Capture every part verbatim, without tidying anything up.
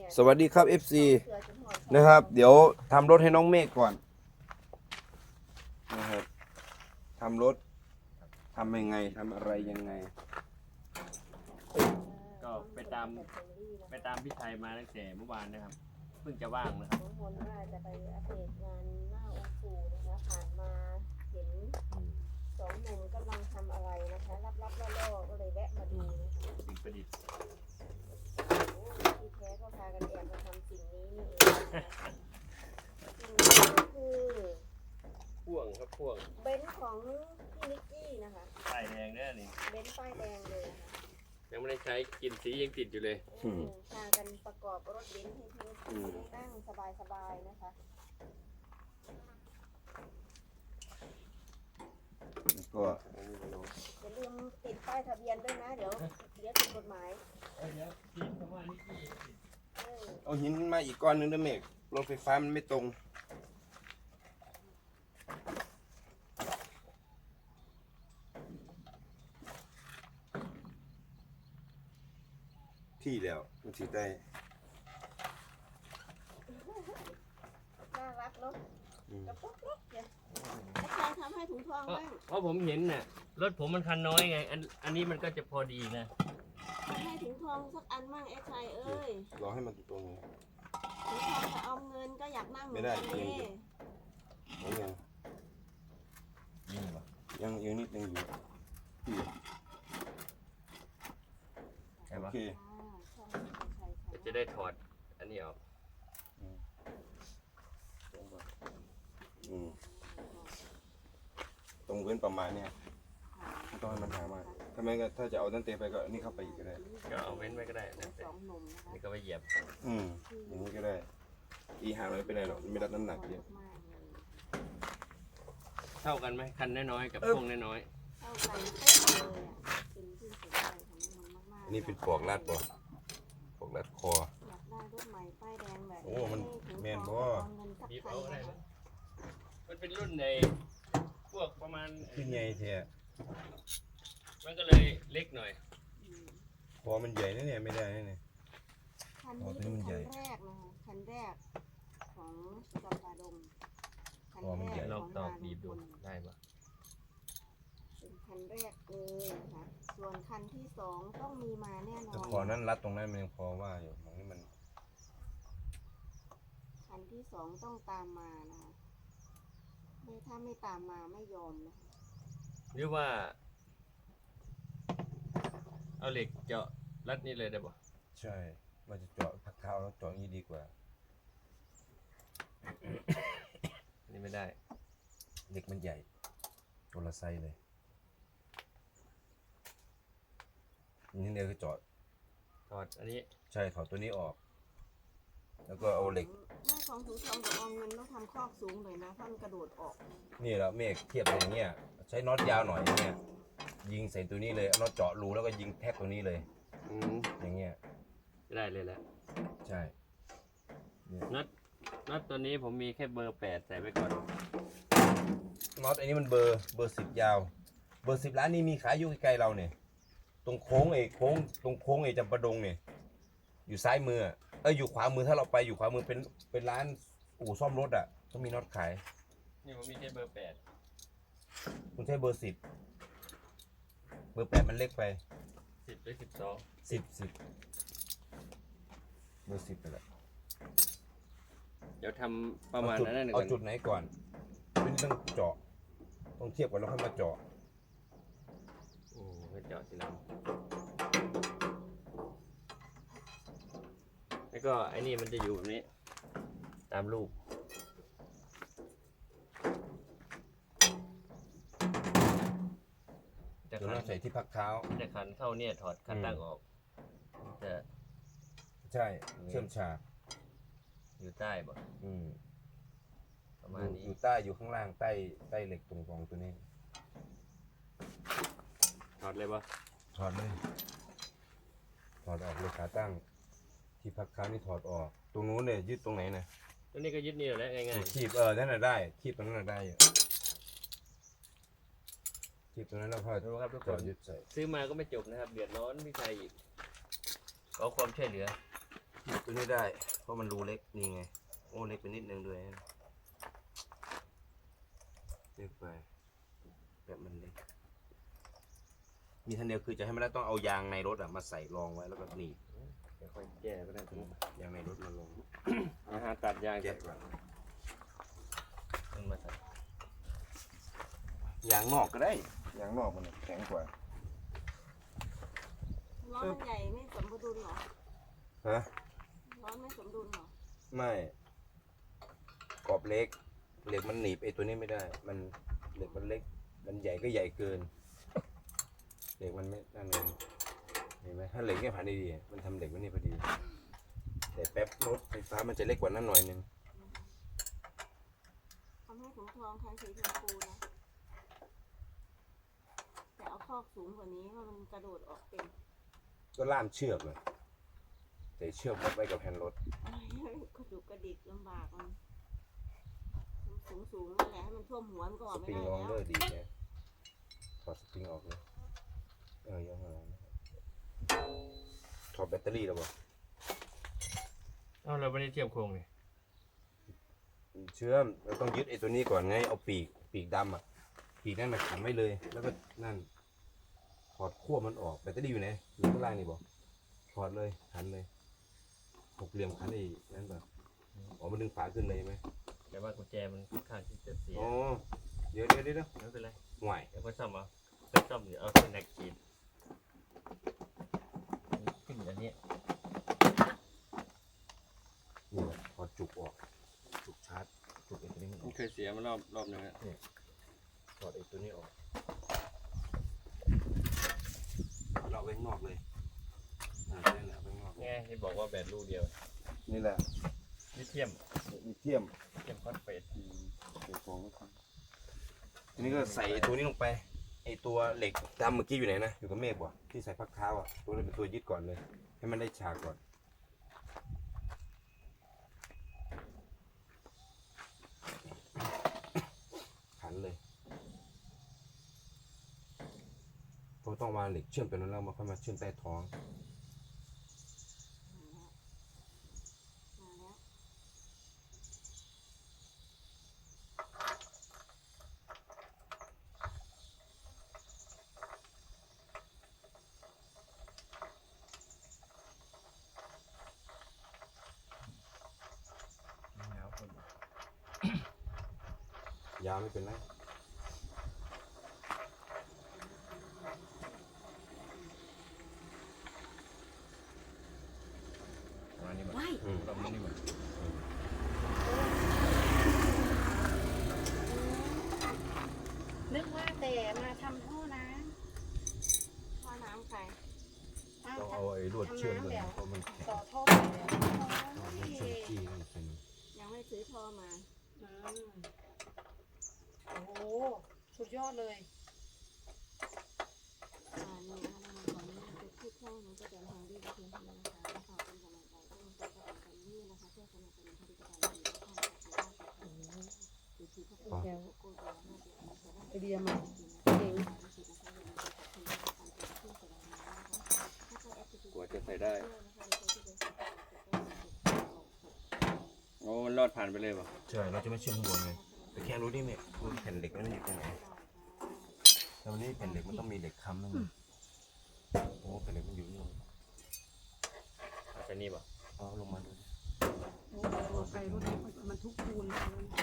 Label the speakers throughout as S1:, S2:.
S1: สวัสดีครับ เอฟ ซี นะครับเดี๋ยวทำรถให้น้องเมฆก่อนนะครับทำรถทำยังไงทำอะไรยังไง
S2: ก็ไปตามไปตามพี่ชัยมาตั้งแต่เมื่อวานนะครับเพิ่งจะว่างนะครับ
S3: น้องมนว่าจะไปอัปเดตงานหน้าองค์ปู่นะคะผ่านมาเห็นสองหนุ่มกำลังทำอะไรนะคะรับๆล่อๆก็เลยแวะมาดูนะคะ
S2: สิ่งประดิษฐ์
S3: โอ้ที่แท้ก็พากันแอบมาทำสิ่งนี้นี่เองนะคะสิ่งนี้ก็คือ
S2: พ่วงครับพ่วง
S3: เบนซ์ของพี่นิกกี้นะคะ
S2: ป้ายแดงเนี่ยนี่
S3: เบนซ์ป้ายแดงเลยนะคะ
S2: ยังไม่ได้ใช้กลินสียังติดอยู่เลย
S3: อืมพากันประกอบรถเบนซ์ให้พี่นิกกี้นั่งสบายๆนะคะ
S1: แล้วก็
S3: อย่าลืมติดป้ายทะเบียนด้วยนะเดี๋ยวเดี๋ยวผิดกฎหมาย
S2: เดี๋ยวทิ้งคำว่านี่ที่
S3: เออ
S1: เอาหินมาอีกก้อนหนึงด้วยเมฆรถไฟฟ้ามันไม่ตรงที่แล้วมันสิได้
S3: น่ารักเนาะ
S1: อืม
S3: กระปุกเล็กเดี๋ยวอาจารย์ทำให้ถุงทอง
S2: เพราะ
S3: บ้าง
S2: เพราะผมเห็นน่ะรถผมมันคันน้อยไงอันอันนี้มันก็จะพอดีนะ
S3: ให้ถุงทองสักอันมั่งไอ้ชายเอ้ย
S1: รอให้มันตรงนี้
S3: ถุงทองจะเอาเงินก็อยากนั่งเหมือนกัน
S1: ไม่ได้
S3: เด้
S1: เอายัง
S2: ยิงป่ะ
S1: ยังยังนิดนึงอยู่ที่
S2: ใช่
S1: โอ
S2: ปะ
S1: เค
S3: อ่าใช่ใช่ใช่ใช่
S2: จะได้ถอดอันนี้ออก
S1: อืมตรงเว้นประมาณเนี้ยไม่ต้องให้มันหามากถ้าไม่ก็ถ้าจะเอาตั้งเตะไปก็นี่เข้าไปอีกก็ได้
S2: ก็เอาเว้นไว้ก็ได้นะ
S3: สองหนุ่มนะคะ
S2: นี่ก็ไปเหยียบ
S1: อืมอย่างนี้ก็ได้ อีหาไม่เป็นไรหรอกไม่รับน้ำหนักเยอะ
S3: มากเลย
S2: เท่ากันไหมคันน้อยๆกับพ่วงน้อย
S3: เข้ากันเป๊ะเลยอ่ะเป็นที่สุดใจของมันมากๆ
S1: อันนี้เป็นปอกลัดบ่ปอกลัดคอ
S3: อยากได้รถใหม่ป้ายแดงแบบ
S1: โอ้มันแม่นบ่
S3: เอาเงินสัก
S2: ๆบีบ
S3: พั
S2: เอา
S3: น
S2: ได้
S3: นะ
S2: ไหม
S3: คะ
S2: มันเป็นรุ่นในพวกประมาณ
S1: ขึ้นใหญ่แท้
S2: มันก็เลยเล็กหน่อย
S3: อืม
S1: คอมันใหญ่นะเนี่ยไม่ได้นะเนี่ย
S3: คัน
S1: อ๋อ
S3: นี้
S1: ตัวนี้
S3: เป็น
S1: มันใหญ่
S3: คันแรกนะคะคันแรกของจำปาดงคัน
S1: อ๋อมัน
S3: แร
S1: ใหญ่
S3: ก
S2: ล
S3: ข
S2: อ
S3: อง ง
S2: ตอก
S3: งาน
S2: บีบดู
S3: บุญ
S2: ได้ปะ
S3: เป็นคันแรกเลยนะคะส่วนคันที่สองต้องมีมาแน่นอ
S1: แต่
S3: น
S1: คอนั้นรัดตรงนั้นมันยังพอว่าอยู่ตรงนี้มัน
S3: คันที่สองต้องตามมานะคะไม่ถ้าไม่ตามมาไม่ยอมนะคะ
S2: หรือว่า เอาเหล็กเจาะรัดนี่เลยได้ปะ
S1: ใช่ว่าจะเจาะพักเท้าแล้วเจาะอย่างนี้ดีกว่า
S2: นี่ไม่ได้
S1: เด็กมันใหญ่ตัวละไซส์เลยนี่เดียวก็เจาะ
S2: ถอดอันนี้
S1: ใช่ถอดตัวนี้ออก แล้วก็เอาเหล็ก
S3: แม่ของถุงทองกับออมเงินต้องทำคอกสูงเลยนะท่านกระโดดออก
S1: นี่แหละเมฆเทียบอย่างเงี้ยใช้น็อตยาวหน่อยอย่างเงี้ยยิงใส่ตัวนี้เลยเอาน็อตเจาะรูแล้วก็ยิงแท็กตัวนี้เลย
S2: อืม
S1: อย่างเงี้ย
S2: ได้เลยแหละ
S1: ใช่เนี่ย
S2: น็อตน็อตตัวนี้ผมมีแค่เบอร์แปดใส่ไว้ก่อน
S1: น็อตอันนี้มันเบอร์เบอร์สิบยาว เบอร์สิบร้านนี้มีขายอยู่ใกล้ๆเราเนี่ยตรงโค้งไอ้โค้งตรงโค้งไอ้จำปาดงเนี่ยอยู่ซ้ายมืออะเอออยู่ขวามือถ้าเราไปอยู่ขวามือเป็นเป็นร้านอู่ซ่อมรถอ่ะเขามีน็อตขาย
S2: นี่ผมมีแค่เบอร์แปด
S1: คุณใช้เบอร์สิบเบอร์แปดมันเล็กไป
S2: สิบหรือสิบสอง
S1: สิบสิบเบอร์สิบไปแล้ว
S2: เดี๋ยวทำประมาณ
S1: เอจุด
S2: นั้นนะ
S1: เอา
S2: ก่อน
S1: จุดไหนก่อนไม่ต้องเจาะต้องเทียบกันแล้วค่อยมาเจาะ
S2: อืมก็เจาะทีหลังแล้วก็ไอ้นี่มันจะอยู่แบบนี้ ตามรูปจะ
S1: เดี๋ยว
S2: ขัน
S1: เราใส่ที่พักเท้า
S2: จะขันเข้าเนี่ยถอดคันตั้งออกจะ
S1: ใช่เชื่อมฉาก
S2: อยู่ใต้บ่
S1: อืม
S2: ประมา
S1: อ
S2: ณ
S1: ยู่
S2: นี้
S1: อยู่ใต้อยู่ข้างล่างใต้ใต้เหล็กตรงกองตัวนี้
S2: ถอดเลยบ่
S1: ถอดเลยถอดออกเลยขาตั้ง ที่พักเท้านี่ถอดออก ตรงนู้นเนี่ยยึดตรงไหนนะ
S2: ตัวนี้ก็ยึดนี่แหละง่าย
S1: คีบเออนั่นน่ะได้คีบตรงนั้นน่ะได้อยู่คีบตรงนั้นแล้วค่อย
S2: ๆดูครับทุกค
S1: จอน ดยึดใส่
S2: ซื้อมาก็ไม่จบนะครับเดือดร้อนพี่ชายอีกขอความช่วยเหลือ
S1: ตัวนี้ได้เพราะมันรูเล็กนี่ไงโอ้เล็กไปนิดนึงด้วยนะเล็กไปแบบมันเล็กมีทันเดียวคือจะให้มันได้ต้องเอายางในรถอะมาใส่รองไว้แล้วก็หนีบ
S2: ค่อยแก้ก็ได้ตรงนี้
S1: ยางในรถมาลง
S2: อาหารตัดยาง
S1: แกะก่อน
S2: มันมาใส่
S1: ยางนอกก็ได้
S4: ยางนอกมันแข็งกว่า
S3: ล้อมันใหญ่ไม่สมดุลเหรอ
S1: ฮะ
S3: ล้อไม่สมดุลเหรอ
S1: ไม่กรอบเล็กเหล็กมันหนีบไอ้ตัวนี้ไม่ได้ มันเหล็กมันเล็ก มันใหญ่ก็ใหญ่เกินเหล็กมันไม่นั่นเองเห็นไหมถ้าเหล็กไม่ผ่านดีๆมันทำเหล็กไว้นี่พอดี แต่แป๊บรถไฟฟ้ามันจะเล็กกว่านั้นหน่อยนึง
S3: ทำให้ถุงทองใช้สีชมพูนะแต่เอาคอกสูงกว่านี้เพราะมันกระโดดออกเป็น
S1: ก็ล่ามเชือกเลยแต่เชือกมัดไว้กับแฮนด์รถ
S3: กระดุกกระดิกลำบากมันสูงสูงๆนั่นแหละให้มันท่วมหัวมันก็อ
S1: ส
S3: อกไม่
S1: ปริง
S3: ได้
S1: ลองเล
S3: แล้
S1: อ
S3: ว
S1: ร์ดีแกถอดสปริงออกเลยเออยังไงถอดแบตเตอรี่แล้วบ่
S2: เอ้าเราไม่ได้เทียบโครงเลย
S1: เชื่อมเราต้องยึดไอ้ตัวนี้ก่อนไงเอาปีกปีกดำอ่ะปีกนั่นมาขันไว้เลย แล้วก็นั่นถอดขั้วมันออกแบตเตอรี่อยู่ไหนอยู่ข้างล่างนี่บ่ถอดเลยขันเลยหกเหลี่ยมขันไอ้นั่นแบบอ๋อมันดึงฝาขึ้นเลยไหม
S2: แต่ว่ากุญแจมันค่อนข้างที่จะเสีย
S1: อ๋อเดี๋ยวเดี๋ยวเดี๋ยว
S2: ไม่เป็นไร
S1: ห่วย
S2: เดี๋ยวก็ซ่อมเอาเดี๋ยวซ่อมเดี๋ยวเอาเส้นแนกขีดขึ้นอันนี้
S1: นี่แหละถอดจุกออกจุกชาร์จจุกไอ้ตัวนี้มันอ
S2: มั
S1: อน ก
S2: เคยเสียมารอบรอบหนึงอะ
S1: ถอดไอ้ตัวนี้ออกเราไว้ข้างนอกเลยอ่าใช่แหละไว้ข้างนอก
S2: ไงที่บอกว่าแบตลูกเดียว
S1: นี่แหละ
S2: ลิเทียม
S1: ลิเทียม
S2: ลิเทียมฟอสเฟต
S1: เดี๋ยวของครับทีนี้ก็ใส่ไอ้ตัวนี้ลงไปไอ้ตัวเหล็กดำเมื่อกี้อยู่ไหนนะอยู่กับเมฆบ่ที่ใส่พักเท้าอ่ะตัวนี้เป็นตัวยึดก่อนเลย ให้มันได้ฉากก่อนขันเลยเพราะต้องวางเหล็กเชื่อมตัวนั้นแล้วมาค่อยมาเชื่อมใต้ท้อง
S3: มาแล้ว
S1: ยาวไม่เป็นไร
S2: ประมาณนี้หมด
S3: ว้าย
S1: อืม
S2: ประมาณนี้หมด
S3: นึกว่าแต่มาทำท่อน้ำท่อน้ำใครอ้าว
S1: ต้องเอาไอ้ลวดเชื่อมเลยเพราะมันแข็ง
S3: ต่อท่อไปแล้ว
S1: เอาลวดเชื่อมจี้มันเป็น
S3: ยังไม่ซื้อท่อมา
S5: อืมโอ้โห สุดยอดเลย
S3: อ่านี่นะคะในวันนี้จะพูดแค่นี้ก็จะทางดีกับเพื่อนๆนะคะแล้วขอเป็นกำลังใจให้ทุกคนกับการนี้นะคะเพื่อสนับสนุนผลิตภัณฑ์ดีๆท่านจากทางด้านการดูที่พวกเรา
S5: แก้ว
S3: โกยาหน้าเดียวนะคะ
S5: ไอเดียใหม่เจ๋ง
S2: กว่าจะใส่ได้โอ้มันรอดผ่านไปเลยป่ะ
S1: ใช่เราจะไม่เชื่อมข้างบนไงแต่แค่รู้นี่เนี่ยรู้แผ่นเหล็กมันอยู่ตรงไหนแต่วันนี้แผ่นเหล็กมันต้องมีเหล็กค้ำนั่นเองโอ้แผ่นเหล็กมันอยู่นี่
S2: อาจจะนี่ป่ะ
S1: เอาลงมาดู
S5: โอ้โหไปรถนี้มันทุกคูณเลย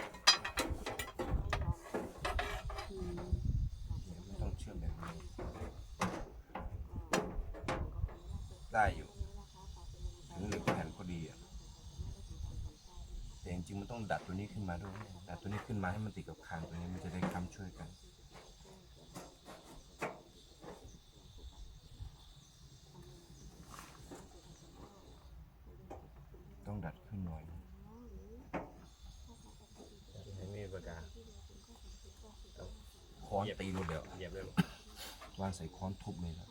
S5: อืม
S1: ไม่ต้องเชื่อมแบบนี้ได้อยู่ถึงเหล็กแผ่นพอดีอ่ะแต่จริงๆมันต้องดัดตัวนี้ขึ้นมาด้วยดัดตัวนี้ขึ้นมาให้มันติดกับคางตัวนี้มันจะได้ค้ำช่วยกันต้องดัดขึ้นหน่อย
S2: ให้มีปากกา
S1: ค้อนตีรถเดี๋ยว
S2: เหยียบเลยป่ะ
S1: วางใส่ค้อนทุบเลยครับ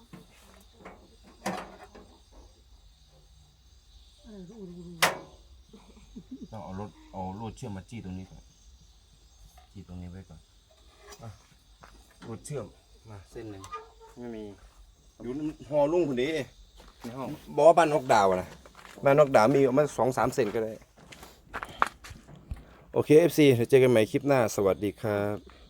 S5: เออดูดูดู
S1: ต้องเอารถเอาลวดเชื่อมมาจี้ตรงนี้ก่อนจี้ตรงนี้ไว้ก่อนอ่ะลวดเชื่อมมาเส้นหนึ่ง
S2: ไม่มี
S1: อยู่หอลุ่งคนนี้
S2: ในห้อง
S1: บอกว่าบ้านนกดาวอะนะมานอกดามมีเอามาสองสามเซนก็ได้ โอเค เอฟ ซี เดี๋ยวเจอกันใหม่คลิปหน้า สวัสดีครับ